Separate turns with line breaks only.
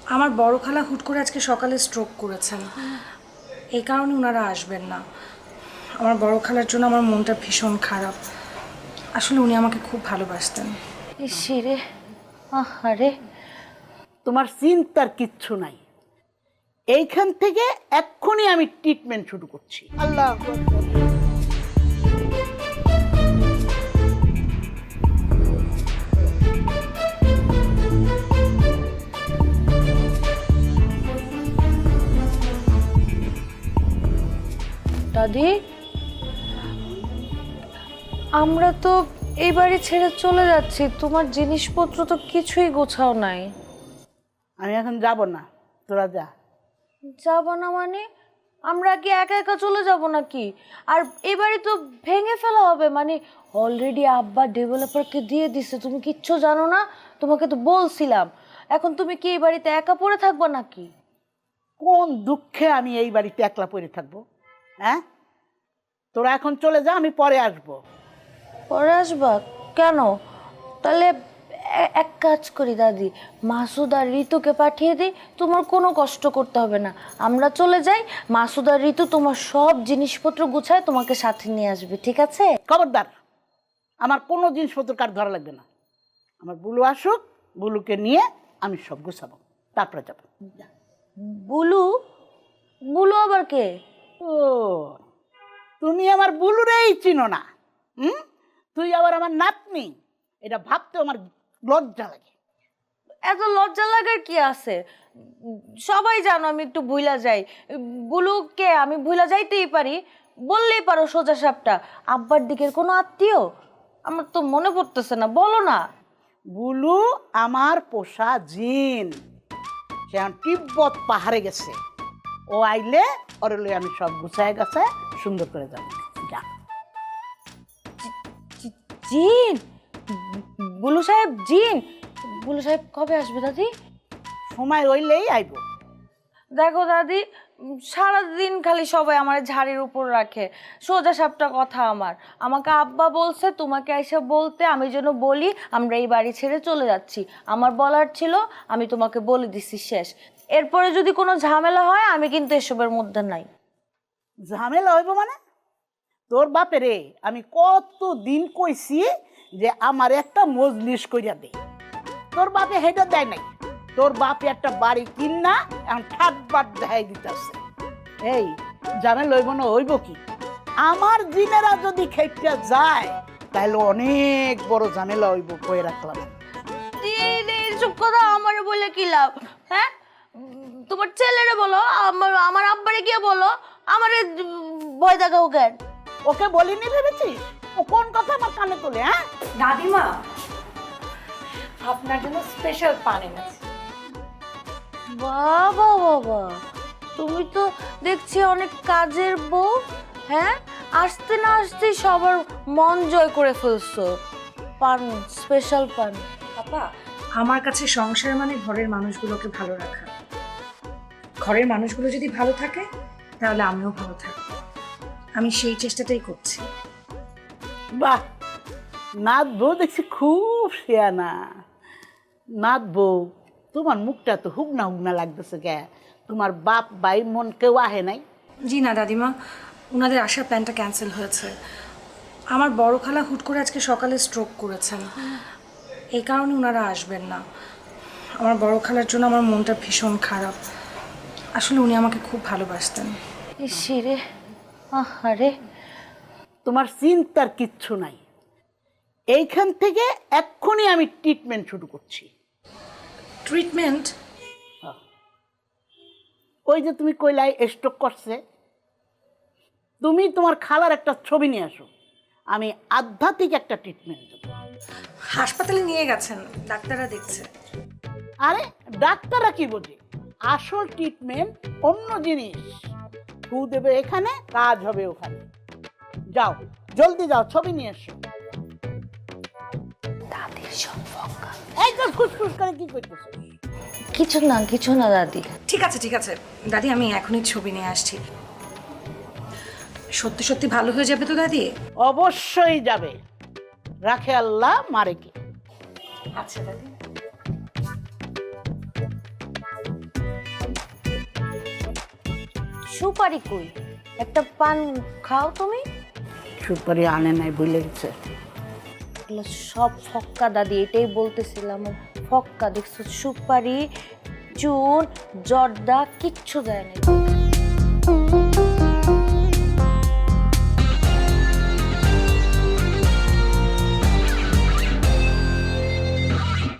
আমার বড় খালা হুট করে আজকে সকালে স্ট্রোক করেছেন, এই কারণে ওনারা আসবেন না। আমার বড় খালার জন্য আমার মনটা ভীষণ খারাপ। আসলে উনি আমাকে খুব ভালোবাসতেন।
ইসিরে, আহারে।
তোমার চিন্তার কিচ্ছু নাই, এইখান থেকে এক্ষুনি আমি ট্রিটমেন্ট শুরু করছি। আল্লাহ আকবার।
দাদি, আমরা তো এই বাড়ি ছেড়ে চলে যাচ্ছি, তোমার জিনিসপত্র তো কিছুই গোছাও নাই।
আমি এখন যাব না, তোরা যা।
যাব না মানে? আমরা কি একা একা চলে যাব নাকি? আর এই বাড়ি তো ভেঙে ফেলা হবে, মানে অলরেডি আব্বা ডেভেলপারকে দিয়ে দিছে, তুমি কিচ্ছু জানো না? তোমাকে তো বলছিলাম। এখন তুমি কি এই বাড়িতে একা পড়ে থাকবা নাকি?
কোন দুঃখে আমি এই বাড়িতে একলা পড়ে থাকবো? হ্যাঁ, তোরা এখন চলে যা, আমি পরে আসবো।
পরে আসবা কেন? তাহলে এক কাজ করি দাদি, মাসুদ আর ঋতুকে পাঠিয়ে দিই, তোমার কোনো কষ্ট করতে হবে না। আমরা চলে যাই, মাসুদ আর ঋতু তোমার সব জিনিসপত্র গুছায় তোমাকে সাথে নিয়ে আসবে, ঠিক আছে?
খবরদার, আমার কোনো জিনিসপত্র কার ধরা লাগবে না। আমার বুলু আসুক, বুলুকে নিয়ে আমি সব গুছাবো, তারপরে যাবো।
বুলু? বুলু আবার কে?
ও, তুমি আমার বুলুরেই চিনো না? তুই আবার আমার নাতনি, এটা ভাবতে আমার লজ্জা লাগে।
এত লজ্জা লাগার কি আছে? সবাই জানো আমি একটু ভুলা যাই। বুলুকে আমি ভুলা যাইতেই পারি, বললেই পারো সোজা সাপটা। আব্বার দিকের কোনো আত্মীয়? আমার তো মনে পড়তেছে না, বলো না।
বুলু আমার পোষা জিন, সে এখন তিব্বত পাহাড়ে গেছে। ও আইলে ওর লই আমি সব গুছায় গাছায় সুন্দর করে যাবো। যা।
জিন? বুলু সাহেব জিন? বুলু সাহেব কবে আসবে দাদি?
সময় হইলেই আইব।
দেখো দাদি, সারাদিন খালি সবাই আমার ঝাড়ির উপর রাখে। সোজা সাপটা কথা আমার, আমাকে আব্বা বলছে তোমাকে এসে বলতে, আমি যেন বলি আমরা এই বাড়ি ছেড়ে চলে যাচ্ছি। আমার বলার ছিল, আমি তোমাকে বলে দিছি, শেষ। এরপরে যদি কোনো ঝামেলা হয় আমি কিন্তু এসবের মধ্যে নাই।
ঝামেলা হইব মানে? তোর বাপেরে আমি কত দিন কইছি যে আমার একটা মজলিস কইরা দে, তোর বাপে হেটা দেয় নাই। তোর বাপে একটা বাড়ি কিনা এখন ঠাটবাট দেখাই দিতেছে। এই ঝামেলা হইব না হইব কি? আমার জিনেরা যদি খেপটা যায় তাহলে অনেক বড় ঝামেলা হইব, কয়ে রাখলাম।
এইসব কথা আমার বলে কি লাভ? হ্যাঁ, তোমার ছেলেরে বলো, আমার আব্বারে গিয়ে বলো, আমারে ভয় দেখাও কেন?
ওকে বলিনি ভেবেছিস? ও কোন কথা আমার কানে তোলে? হ্যাঁ,
দাদিমা, আপনার জন্য স্পেশাল পান এনেছি।
বাবা বাবা, তুমি তো দেখছি অনেক কাজের বউ। হ্যাঁ, আসতে না আসতেই সবার মন জয় করে ফেলছো। পান, স্পেশাল পান।
পাপা, আমার কাছে সংসার মানে ঘরের মানুষগুলোকে ভালো রাখা। ঘরের মানুষগুলো যদি ভালো থাকে তাহলে আমিও ভালো থাকবো। আমি সেই চেষ্টাটাই করছি।
বাহ, নাথ বউ দেখছি খুব শেয়ানা। নাথ বউ, তোমার মুখটা তো হুগনা হুগনা লাগতেছে কে? তোমার বাপ ভাই মন কেউ আহে নাই?
জি না দাদিমা, ওনাদের আসার প্ল্যানটা ক্যান্সেল হয়েছে। আমার বড় খালা হুট করে আজকে সকালে স্ট্রোক করেছেন, এই কারণে ওনারা আসবেন না। আমার বড় খালার জন্য আমার মনটা ভীষণ খারাপ। আসলে উনি আমাকে খুব ভালোবাসতেন।
ইসিরে, আহারে।
তোমার চিন্তার কিচ্ছু নাই, এইখান থেকে এক্ষুনি আমি ট্রিটমেন্ট শুরু করছি।
ট্রিটমেন্ট?
ওই যে তুমি কইলাই স্ট্রোক করছে, তুমি তোমার খালার একটা ছবি নিয়ে আসো, আমি আধ্যাত্মিক একটা ট্রিটমেন্ট দেবো।
হাসপাতালে নিয়ে গেছেন, ডাক্তাররা দেখছে।
আরে ডাক্তাররা কি বোঝে? আসল ট্রিটমেন্ট অন্য জিনিস। ফু দেবে এখানে, কাজ হবে ওখানে। যাও, জলদি যাও, ছবি নিয়ে এসো।
দাদির সম্পর্ক
এই তো খুশখুশ করে কি করতেছো?
কিছু না দাদি।
ঠিক আছে ঠিক আছে দাদি, আমি এখনই ছবি নিয়ে আসছি। সত্যি সত্যি ভালো হয়ে যাবে তো দাদি?
অবশ্যই যাবে, রাখে আল্লাহ মারে কে।
আচ্ছা দাদি।
সুপারি কই? একটা পান খাও তুমি।
সুপারি আনে নাই, ভুলে গেছে।
এগুলো সব ফক্কা দাদি, এটাই বলতেছিলাম, ফক্কা। দেখছো সুপারি, চুন, জর্দা কিচ্ছু দেয় না।